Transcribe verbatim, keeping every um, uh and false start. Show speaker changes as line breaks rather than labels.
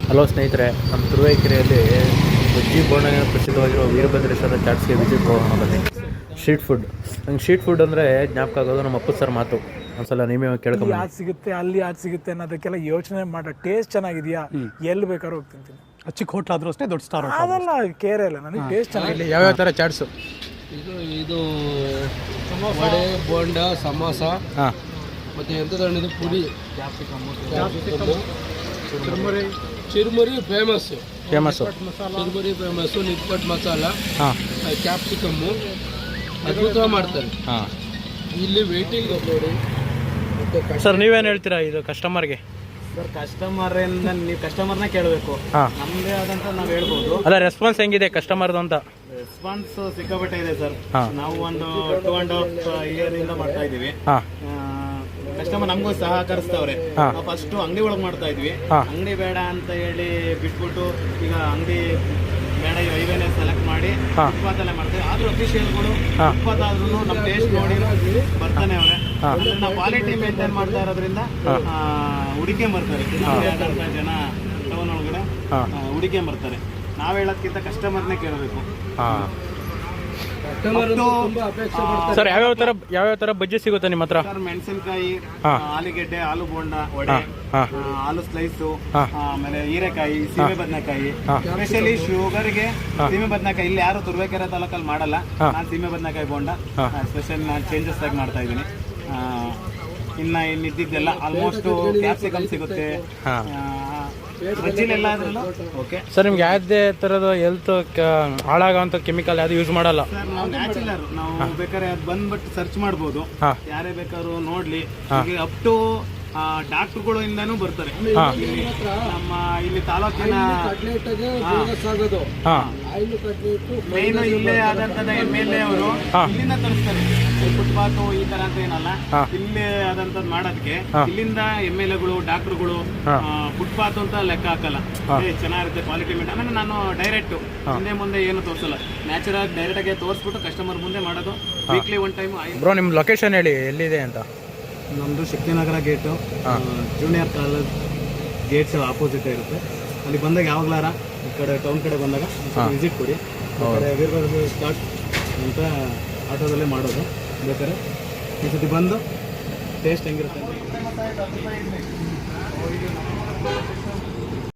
Hello ಸ್ನೇಹಿತರೆ, ನಮ್ಮ ತುರುವೇಕೆರೆಯಲ್ಲಿ ಬಜ್ಜಿ ಬೋಂಡನ ಪ್ರಸಿದ್ಧವಾಗಿರುವ Veerabhadreshwara ಚಾಟ್ಸ್ಗೆ visit ಹೋಗೋಣ ಬನ್ನಿ. ಸ್ಟ್ರೀಟ್ ಫುಡ್ ನಂಗೆ ಸ್ಟ್ರೀಟ್ ಫುಡ್ ಅಂದರೆ ಜ್ಞಾಪಕ ಆಗೋದು ನಮ್ಮ ಅಪ್ಪು ಸರ್ ಮಾತು. ಒಂದ್ಸಲ ನೀವೇ ಕೇಳ್ಕೊಂಡು
ಯಾವ್ದು ಸಿಗುತ್ತೆ ಅಲ್ಲಿ ಯಾವ್ದು ಸಿಗುತ್ತೆ ಅನ್ನೋದಕ್ಕೆಲ್ಲ ಯೋಚನೆ ಮಾಡೋ ಟೇಸ್ಟ್ ಚೆನ್ನಾಗಿದೆಯಾ ಎಲ್ಲಿ ಬೇಕಾದ್ರೂ ಹೋಗಿ ತಿಂತೀನಿ.
ಚಿಕ್ಕ ಹೋಟ್ಲ್ ಆದ್ರೂ ಅಷ್ಟೇ, ದೊಡ್ಡ ಸ್ಟಾರ್
ಅದೆಲ್ಲ ಕೇರೆ ಇಲ್ಲ, ನನಗೆ ಟೇಸ್ಟ್ ಚೆನ್ನಾಗಿದೆ.
ಯಾವ್ಯಾವ ಥರ ಚಾಟ್ಸು?
ಇದು ಇದು ವಡೆ, ಬೋಂಡ, ಸಮೋಸ,
ಹಾಂ,
ಮತ್ತು ಎಂಥದ್ದು puri, churmuri chirumuri famous
famous
chirumuri famous nippattu masala,
ಹಾಂ,
ಕ್ಯಾಪ್ಸಿಕಮ್ಮು ಅದ್ಭುತವಾಗಿ ಮಾಡ್ತಾರೆ.
ಹಾಂ.
ಇಲ್ಲಿ ವೇಟಿಂಗ್ ನೋಡಿ.
ಸರ್ ನೀವೇನು ಹೇಳ್ತೀರಾ ಇದು ಕಸ್ಟಮರ್ಗೆ?
ಸರ್ ಕಸ್ಟಮರಿಂದ ನೀವು ಕಸ್ಟಮರ್ನ ಕೇಳಬೇಕು,
ಹಾಂ,
ನಮ್ಮದೇ ಆದಂತ ನಾವು ಹೇಳ್ಬೋದು.
ಅಲ್ಲ, ರೆಸ್ಪಾನ್ಸ್ ಹೆಂಗಿದೆ ಕಸ್ಟಮರ್ದು ಅಂತ?
ರೆಸ್ಪಾನ್ಸ್ ಸಿಕ್ಕಾಪಟ್ಟೆ ಇದೆ ಸರ್.
ಹಾಂ.
ನಾವು ಒಂದು ಟೂ ಆ್ಯಂಡ್ ಹಾಫ್ ಇಯರ್ ಇಂದ ಮಾಡ್ತಾ ಇದ್ದೀವಿ.
ಹಾಂ,
ಕಸ್ಟಮರ್ ನಮಗೂ ಸಹಕರಿಸ್ತವ್ರೆ.
ಹಾಂ.
ನಾವು ಫಸ್ಟ್ ಅಂಗಡಿ ಒಳಗೆ ಮಾಡ್ತಾ ಇದ್ವಿ,
ಹಾಂ.
ಅಂಗಡಿ ಬೇಡ ಅಂತ ಹೇಳಿ ಬಿಟ್ಬಿಟ್ಟು ಈಗ ಅಂಗಡಿ ಬೇಡ ಈ ಹೈವೇನೆ ಸೆಲೆಕ್ಟ್ ಮಾಡಿ
ಹಾಂ.
ಫುಟ್ಪಾತಲ್ಲೇ ಮಾಡ್ತೀವಿ. ಆದ್ರೂ ಅಫಿಷಿಯಲ್ಗಳು
ಹಾಂ.
ಫುಟ್ಪಾತ್ ಆದ್ರೂ ನಮ್ಮ ಟೇಸ್ಟ್ ನೋಡಿ ಬರ್ತಾನೆ ಅವ್ರೆ.
ಹಾಂ.
ಅಂದ್ರೆ ನಾವು ಕ್ವಾಲಿಟಿ ಮೇಂಟೈನ್ ಮಾಡ್ತಾ ಇರೋದ್ರಿಂದ ಹುಡುಕೆ ಬರ್ತಾರೆ. ಜನ ಟೌನ್ ಒಳಗಡೆ
ಹಾಂ.
ಹುಡುಕೆ ಬರ್ತಾರೆ. ನಾವು ಹೇಳೋದ್ಕಿಂತ ಕಸ್ಟಮರ್ನೇ ಕೇಳಬೇಕು.
ಹಾಂ.
ಕಸ್ಟಮರ್ ತುಂಬಾ ಅಪೇಕ್ಷೆ ಪಡ್ತಾರೆ.
ಸರ್ ಯಾವ್ಯಾವ ಥರ ಯಾವ್ಯಾವ ಥರ ಬಜ್ಜಿ ಸಿಗುತ್ತೆ ನಿಮ್ಮ ಹತ್ರ?
ಸರ್ ಮೆಣಸಿನಕಾಯಿ,
ಹಾಂ.
ಆಲೂಗೆಡ್ಡೆ, ಆಲೂ ಬೋಂಡ, ವಡೆ,
ಹಾಂ, ಹಾಂ,
ಆ, ಆಲೂ ಸ್ಲೈಸು,
ಹಾಂ.
ಆಮೇಲೆ ಹೀರೆಕಾಯಿ, ಸೀಮೆ ಬದನೆಕಾಯಿ.
ಹಾಂ.
ಸ್ಪೆಷಲಿ ಶುಗರ್ಗೆ
ಹಾಂ.
ಸೀಮೆ ಬದನೆಕಾಯಿ ಇಲ್ಲಿ ಯಾರು ತುರುವೇಕೆರೆ ತಾಲೂಕಲ್ಲಿ ಮಾಡಲ್ಲ.
ಹಾಂ.
ನಾನು ಸೀಮೆ ಬದನೆಕಾಯಿ ಬೋಂಡ
ಹಾಂ.
ಸ್ಪೆಷಲ್ ನಾನು ಚೇಂಜಸ್ ಆಗಿ ಮಾಡ್ತಾ ಇದ್ದೀನಿ. ಇನ್ನು ಇನ್ನಿದ್ದೆಲ್ಲ ಆಲ್ಮೋಸ್ಟ್ ಕ್ಯಾಪ್ಸಿಕಮ್ ಸಿಗುತ್ತೆ.
ಹಾಂ.
ಬಜ್ಜಿಲೆಲ್ಲ ಆದ್ರೂ ಓಕೆ
ಸರ್ ನಿಮ್ಗೆ ಯಾವುದೇ ಥರದ ಹೆಲ್ತ್ ಹಾಳಾಗೋಂಥ ಕೆಮಿಕಲ್ ಯಾವುದು ಯೂಸ್ ಮಾಡಲ್ಲ?
ಸರ್, ನಾವು ನ್ಯಾಚುರಲ್, ನಾವು ಬೇಕಾದ್ರೆ ಅದು ಬಂದ್ಬಿಟ್ಟು ಸರ್ಚ್ ಮಾಡ್ಬೋದು.
ಹಾಂ.
ಯಾರೇ ಬೇಕಾದ್ರು ನೋಡ್ಲಿ.
ಹಾಂ.
ಅಪ್ ಟು ಡಾಕ್ಟರ್ಗಳು ಇಂದಾನು ಬರ್ತಾರೆ.
ಹಾಂ.
ಇಲ್ಲಿ ನಮ್ಮ ಇಲ್ಲಿ ತಾಲೂಕಿನ
ಕಟ್ಲೆಟ್ಗೆ
ಹಾಂ.
ಬೋನಸ್ ಆಗೋದು.
ಹಾಂ.
ಆಯಿಲ್ ಕಟ್ಲೆಟ್ಟು
ಮೇನ್ ಇಲ್ಲೇ ಆದಂತದ ಎಮ್ ಎಲ್ ಎ ಅವರು
ಹಾಂ.
ಇಲ್ಲಿಂದ ತರಿಸ್ತಾರೆ. ಫುಟ್ಪಾತ್ ಈ ತರ ಅಂತ ಏನಲ್ಲ,
ಹಾಂ.
ಇಲ್ಲೇ ಆದಂತದ್ ಮಾಡೋದಕ್ಕೆ
ಹಾಂ.
ಇಲ್ಲಿಂದ ಎಮ್ ಎಲ್ ಎಗಳು, ಡಾಕ್ಟರ್ಗಳು
ಹಾಂ.
ಫುಟ್ಪಾತ್ ಅಂತ ಲೆಕ್ಕ ಹಾಕಲ್ಲ.
ಹಾಂ.
ಏ, ಚೆನ್ನಾಗಿರುತ್ತೆ ಕ್ವಾಲಿಟಿ ಮೇಂಟ್. ಆಮೇಲೆ ನಾನು ಡೈರೆಕ್ಟ್ ಹಿಂದೆ ಮುಂದೆ ಏನು ತೋರಿಸಲ್ಲ, ನ್ಯಾಚುರಲ್ ಡೈರೆಕ್ಟ್ ಆಗಿ ತೋರಿಸ್ಬಿಟ್ಟು ಕಸ್ಟಮರ್ ಮುಂದೆ ಮಾಡೋದು. Weekly one time.
ಬ್ರೋ ನಿಮ್ಮ ಲೊಕೇಶನ್ ಹೇಳಿ, ಎಲ್ಲಿದೆ ಅಂತ?
ನಮ್ಮದು ಶಕ್ತಿನಗರ ಗೇಟು,
ಹಾಂ.
ಜೂನಿಯರ್ ಕಾಲೇಜ್ ಗೇಟ್ಸ್ ಆಪೋಸಿಟ್ ಇರುತ್ತೆ. ಅಲ್ಲಿ ಬಂದಾಗ ಯಾವಾಗಲಾರ ಈ ಕಡೆ ಟೌನ್ ಕಡೆ ಬಂದಾಗ
ಹಾಂ.
ವಿಸಿಟ್ ಕೊಡಿ. ಈ ಕಡೆ ವೀರಭದ್ರ ಸ್ಟಾರ್ಟ್ ಅಂತ ಆಟೋದಲ್ಲೇ ಮಾಡೋದು. ಬೇಕಾದ್ರೆ ಈ ಸತಿ ಬಂದು ಟೇಸ್ಟ್ ಹೆಂಗಿರುತ್ತೆ ಅಂತ